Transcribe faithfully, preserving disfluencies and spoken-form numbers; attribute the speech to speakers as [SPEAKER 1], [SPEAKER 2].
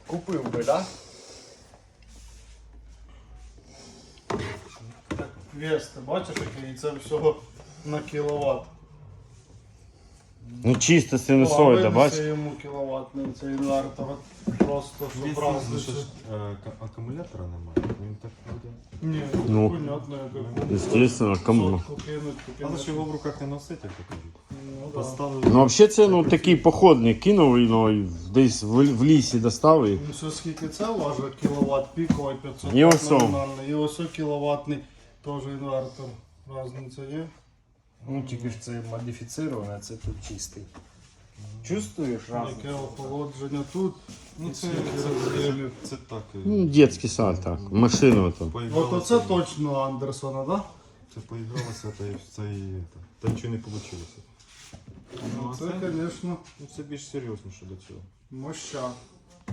[SPEAKER 1] Купив би, да?
[SPEAKER 2] Так, вес, ти бачиш, який це всього на кіловат.
[SPEAKER 3] Ну чисто
[SPEAKER 2] А
[SPEAKER 3] синусоїда, бачиш?
[SPEAKER 2] винесе йому кіловатний цей інвертор. Просто щоб
[SPEAKER 4] Якщо
[SPEAKER 2] разницю.
[SPEAKER 4] ж, е, ка- акумулятора немає, він так буде.
[SPEAKER 2] Ні,
[SPEAKER 3] Ну,
[SPEAKER 2] понятно, яку.
[SPEAKER 3] Естественно, кому.
[SPEAKER 2] Сотку кинуть,
[SPEAKER 4] Але
[SPEAKER 2] кинуть.
[SPEAKER 4] ж його в руках не носить, як то кажуть.
[SPEAKER 2] Ну, да.
[SPEAKER 4] Поставили.
[SPEAKER 3] Ну взагалі це ну, такий походний кинув і ну, і десь в, в лісі достав і.
[SPEAKER 2] Ну, все, скільки це важить, кіловат піковий, п'ятсот
[SPEAKER 3] І ось о.
[SPEAKER 2] номінальний. І ось о кіловатний теж інвертор. Разниця є.
[SPEAKER 1] Ну тільки ж це модифіцироване, це тут чистий. Чувствуєш разницю?
[SPEAKER 2] Яке охолодження тут.
[SPEAKER 4] Ну
[SPEAKER 2] і
[SPEAKER 4] це,
[SPEAKER 2] скільки
[SPEAKER 4] це,
[SPEAKER 2] розділів.
[SPEAKER 4] це, це так. е,
[SPEAKER 3] Ну, дитячий сад, так. Машину то.
[SPEAKER 2] От
[SPEAKER 4] поігралося,
[SPEAKER 2] оце точно Андерсона, да?
[SPEAKER 4] Це поігралося, та й це і та, та нічого не вийшло.
[SPEAKER 2] Ну,
[SPEAKER 4] а
[SPEAKER 2] це,
[SPEAKER 4] це-
[SPEAKER 2] звісно,
[SPEAKER 4] Ну це більш серйозніше до цього.
[SPEAKER 2] моща.